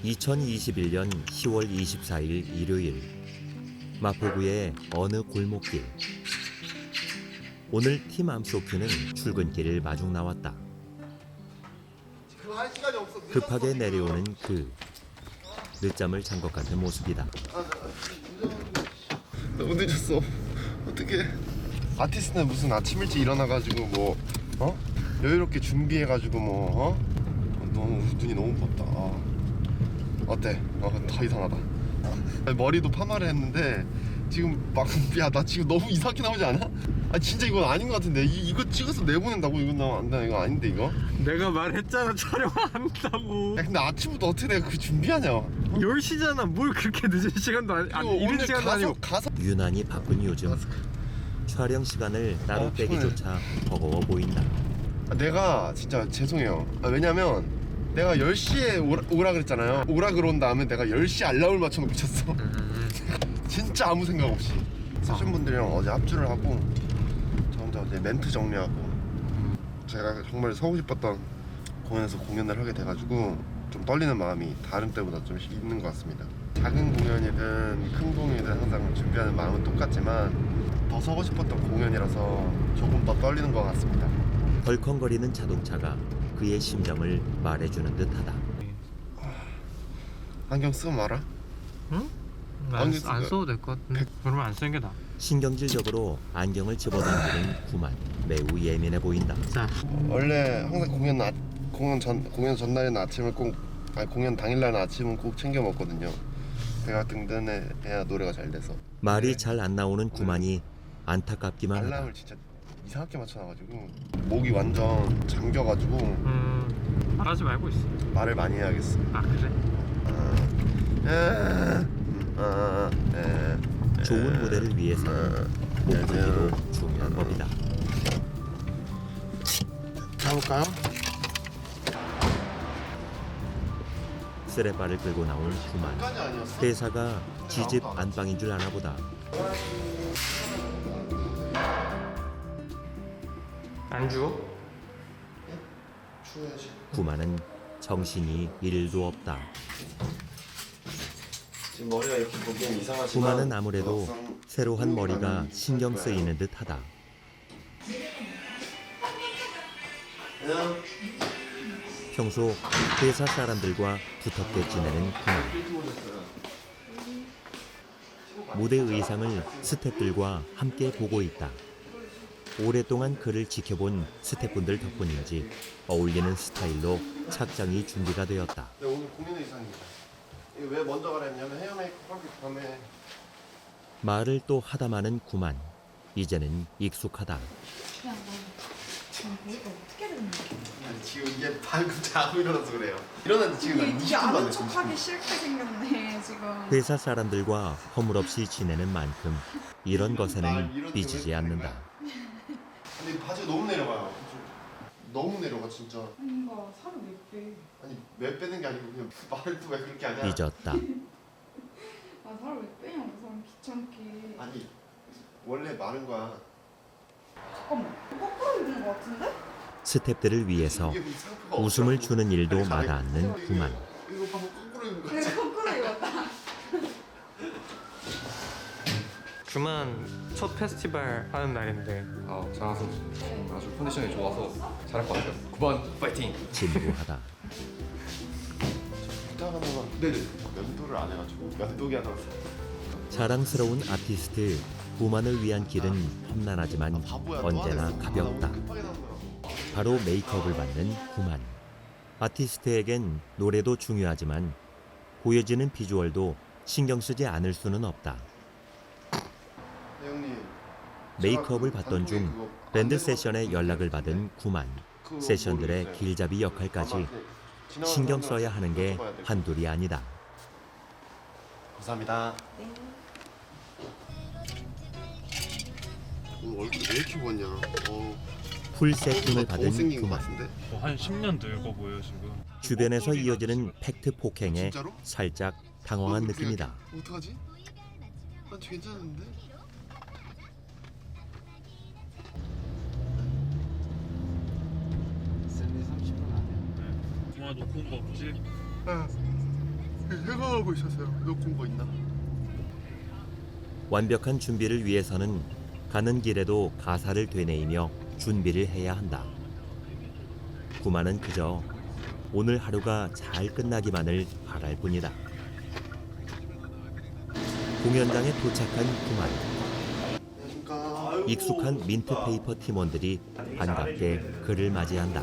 2021년 10월 24일 일요일 마포구의 어느 골목길. 오늘 팀 암소큐는 출근길을 마중 나왔다. 급하게 내려오는 그 늦잠을 잔 것 같은 모습이다. 너무 늦었어. 어떡해. 아티스트는 무슨 아침 일찍 일어나가지고 여유롭게 준비해가지고 너무 눈이 너무 부었다. 어때? 더 이상하다. 머리도 파마를 했는데 지금 나 지금 너무 이상하게 나오지 않아? 진짜 이건 아닌 것 같은데. 이거 찍어서 내보낸다고? 이건 안 돼. 이거 아닌데 이거? 내가 말했잖아, 촬영 안 한다고. 근데 아침부터 어떻게 내가 그 준비하냐? 10시잖아. 뭘 그렇게 늦은 시간도 아니 이른 시간도 아니고. 가서 유난히 바쁜 요즘 촬영 시간을 따로 빼기조차 버거워 보인다. 내가 진짜 죄송해요. 왜냐면 내가 10시에 오라 그랬잖아요. 오라 그런 다음에 내가 10시 알람을 맞춰놓고 있었어. 진짜 아무 생각 없이. 세션분들이랑 어제 합주를 하고 저 혼자 어제 멘트 정리하고 제가 정말 서고 싶었던 공연에서 공연을 하게 돼가지고 좀 떨리는 마음이 다른 때보다 좀 있는 것 같습니다. 작은 공연이든 큰 공연이든 항상 준비하는 마음은 똑같지만 더 서고 싶었던 공연이라서 조금 더 떨리는 것 같습니다. 덜컹거리는 자동차가 그의 심정을 말해주는 듯하다. 안경 쓰고 말아? 응? 안 써도 될 것 같은데. 그러면 안 쓰는 게 나아. 신경질적으로 안경을 집어당기는 구만. 매우 예민해 보인다. 자, 원래 항상 공연 전날에는 아침을 공연 당일날은 아침은 꼭 챙겨 먹거든요. 배가 든든해야 노래가 잘 돼서. 말이 잘 안 나오는 구만이 안타깝기만 하다. 알람을 진짜 이상하게 맞춰놔가지고 목이 완전 잠겨가지고 말하지 말고 있어. 말을 많이 해야겠어. 아, 그래? 좋은 무대를 위해서는 목소리도 중요한 법이다. 가볼까요? 쓰레빠를 끌고 나온 구만. 회사가 지집 안방인 줄 아나 보다. 안 주워? 추워야지. 구만은 정신이 1도 없다. 지금 머리가 이렇게 보기엔 이상하지만 구만은 아무래도 새로 한 머리가 신경 쓰이는 듯하다. 그냥 평소 회사 사람들과 두텁게 지내는 구만. 무대 의상을 스태프들과 함께 보고 있다. 오랫동안 그를 지켜본 스태프분들 덕분인지 어울리는 스타일로 착장이 준비가 되었다. 네, 오늘 공연 의상입니다. 이거 왜 먼저 가라 했냐면 헤어 메이크업 하기 전에. 말을 또 하다 마는 구만. 이제는 익숙하다. 그냥 지금 이거 어떻게 됐는 거야? 아니, 지금 이게 방금 자고 일어나서 그래요. 일어났는데 지금 한 20분도 이게 안 아는 됐어. 척하기 싫게 생겼네 지금. 회사 사람들과 허물없이 지내는 만큼 이런 것에는 삐지지 않는다. 근데 바지가 너무 내려가요. 너무 내려가 진짜. 뭔가 살을 몇 배? 아니 왜 빼는 게 아니고 그냥 말을 또 왜 그렇게 하냐. 삐졌다. 아 살을 왜 빼냐고 사람 귀찮게. 아니 원래 마른 거야. 잠깐만 거꾸로 입는 거 같은데? 스태프들을 위해서 이게 무슨 상표가 웃음을 없더라고. 주는 일도 아니, 마다 가만히 않는 있어. 구만. 이거 봐 거꾸로 입는 그래 거지. 거꾸로 입었다. 주만 첫 페스티벌 하는 날인데 장하 선수 아주 컨디션이 좋아서 잘할 것 같아요. 9번 파이팅! 진부하다. 부탁 하나만. 네네. 면도를 안 해가지고 면도기 하나. 자랑스러운 아티스트 구만을 위한 길은 험난하지만 언제나 가볍다. 바로 메이크업을 받는 구만. 아티스트에겐 노래도 중요하지만 보여지는 비주얼도 신경 쓰지 않을 수는 없다. 네, 형님. 메이크업을 받던 중 밴드 세션에 연락을 받은 구만. 세션들의 길잡이 역할까지 신경 써야 하는 게 한둘이 아니다. 감사합니다. 네. 오늘 얼굴 왜 이렇게 부었냐? 풀 세팅을 받은 못생긴 것 구만. 같은데? 한 10년 늙어 보여 지금. 주변에서 이어지는 팩트 폭행에 진짜로? 살짝 당황한 어떻게 느낌이다. 어떡하지? 난 괜찮은데? 샌디 30분 안에 정말 놓고 온 거 없지? 응. 생각하고 있었어요. 놓고 온 거 있나? 완벽한 준비를 위해서는 가는 길에도 가사를 되뇌이며 준비를 해야 한다. 구만은 그저 오늘 하루가 잘 끝나기만을 바랄 뿐이다. 공연장에 도착한 구만. 익숙한 민트페이퍼 팀원들이 반갑게 그를 맞이한다.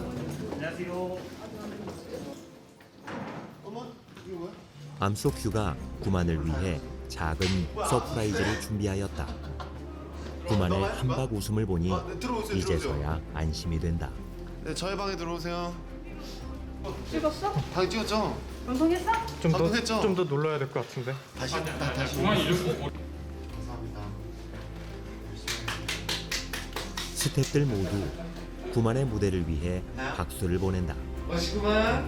암속 휴가 구만을 위해 작은 서프라이즈를 준비하였다. 구만의 한박 웃음을 보니 이제서야 안심이 된다. 네, 저희 방에 들어오세요. 찍었어? 방 찍었죠? 방송했어? 방송했죠? 좀 더 놀러야 될 것 같은데. 다시. 감사합니다. 스태프들 모두 구만의 무대를 위해 박수를 보낸다. 맛있구만.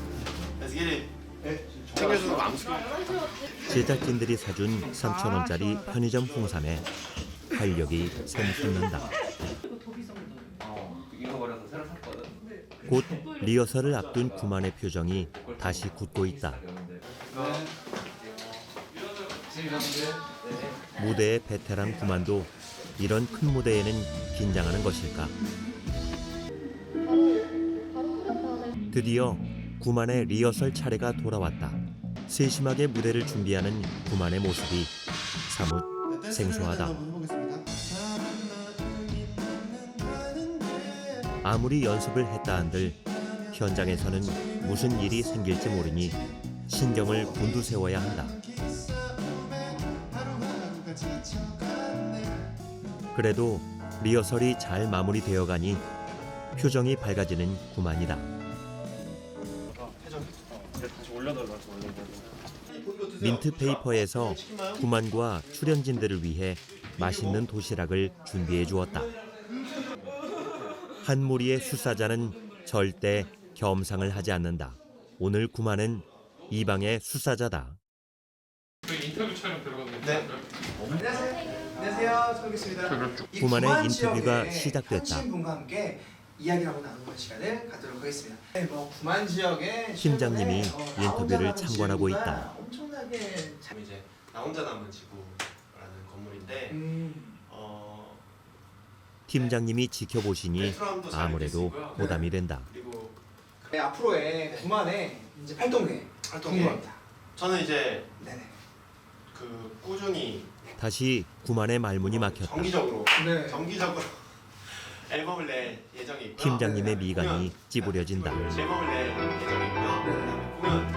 챙겨주는 거 암수. 제작진들이 사준 3,000원짜리 편의점 홍삼에 활력이 샘솟는다. 잃어버려서 새로 샀거든. 곧 리허설을 앞둔 구만의 표정이 다시 굳고 있다. 무대의 베테랑 구만도 이런 큰 무대에는 긴장하는 것일까? 드디어 구만의 리허설 차례가 돌아왔다. 세심하게 무대를 준비하는 구만의 모습이 사뭇 생소하다. 아무리 연습을 했다 한들 현장에서는 무슨 일이 생길지 모르니 신경을 곤두세워야 한다. 그래도 리허설이 잘 마무리되어 가니 표정이 밝아지는 구만이다. 민트페이퍼에서 구만과 출연진들을 위해 맛있는 도시락을 준비해 주었다. 한 무리의 수사자는 절대 겸상을 하지 않는다. 오늘 구만은 이 방의 수사자다. 인터뷰 촬영 들어갔는데. 네. 안녕하세요. 처음겠습니다. 구만의 인터뷰가 시작됐다. 친 분과 함께 이야기를 하고 나누는 시간을 갖도록 하겠습니다. 네, 구만 지역에 팀장님이 최근에, 인터뷰를 나 혼자 남은 참관하고 지구가 있다. 엄청나게 이제 나 혼자 남은 지구라는 건물인데 팀장님이 지켜보시니 베트남도 잘 아무래도 있고요. 부담이 된다. 그리고 네, 앞으로의 구만의 이제 활동 궁금합니다. 저는 이제 네네. 그 꾸준히 다시 구만의 말문이 막혔다. 정기적으로 네. 앨범을 낼 예정이 있고요. 팀장님의 미간이 찌부려진다. 앨범을 낼 예정이고요. 그다음에 공연